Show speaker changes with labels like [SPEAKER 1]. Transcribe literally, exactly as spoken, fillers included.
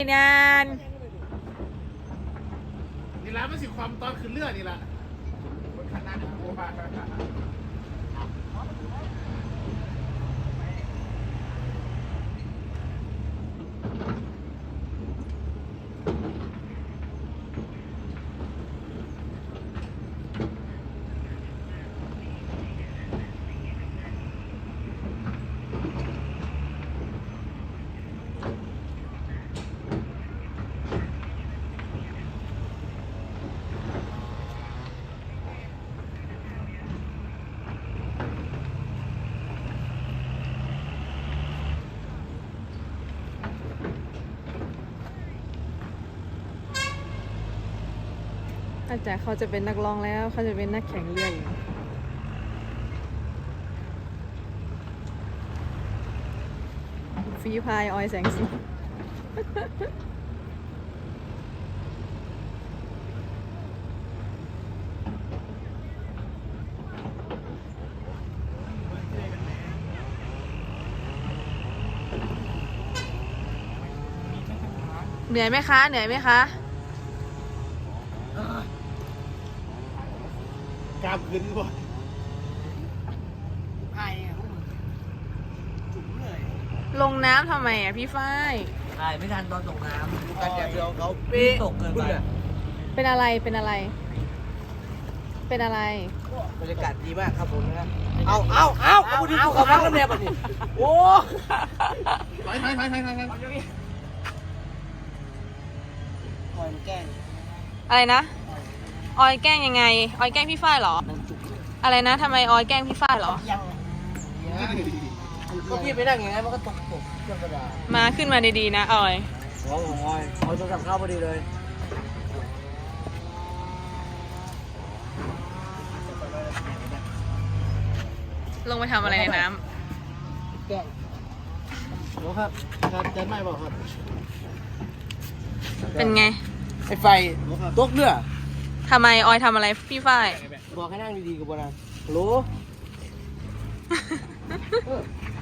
[SPEAKER 1] งาน
[SPEAKER 2] นี่ละมันสิความตอนขึ้นเรือนี่ละขนาดนี้โอ้บ้า
[SPEAKER 1] อาจารย์เขาจะเป็นนักร้องแล้วเขาจะเป็นนักแข่งเรืออยู่ฟรีพายออยแสงสีเหนื่อยไหมคะเหนื่อยไหมคะ
[SPEAKER 2] กล้ามขึ้นบ่
[SPEAKER 3] ไอ้เนี่ยพวกมึงจุ๋มเลย
[SPEAKER 1] ลงน้ำทำไมอ่ะพี่ฝ้าย
[SPEAKER 3] ถ่ายไม่ทันตอนตกน้ำดูกันอย่างเดียวเขา
[SPEAKER 1] ปี๊ะ
[SPEAKER 3] ตกเกินไป
[SPEAKER 1] เป็นอะไรเป็นอะไร เป็นอะไร
[SPEAKER 3] บรรยากาศดีมากครับผมนะเอาเอาเอาเอาพูดถึงภูเขาพักน้ำแดงแบบนี้โอ้
[SPEAKER 2] ถอยถอยถอยถอยถอย
[SPEAKER 3] คอยแกล้ง
[SPEAKER 1] อะไรนะออยแกล้งยังไงออยแกล้งพี่ฝ้ายเหรอ
[SPEAKER 3] นั่งจุ๋มเลย
[SPEAKER 1] อะไรนะทำไมออยแกล้งพี่ฝ้ายเหรอ
[SPEAKER 3] ยังก็พี่ไปนั่งอย่างนั้นมันก็ตกตกเครื่องกระดาษ
[SPEAKER 1] มาขึ้นมาดีๆนะออย
[SPEAKER 3] หัวของออยเอาโทรศัพท์เข้าพอดีเลย
[SPEAKER 1] ลงไปทำอะไรในน้
[SPEAKER 3] แกล้ง
[SPEAKER 2] โอ้ครับครับจะไม่บอกครับ
[SPEAKER 1] ำเป็นไง
[SPEAKER 3] ไอ้ไฟตกเรือ
[SPEAKER 1] ทำไมออยทำอะไรพี่ฝ้าย
[SPEAKER 3] บอกให้นั่งดีๆกับโบราณฮัลโหล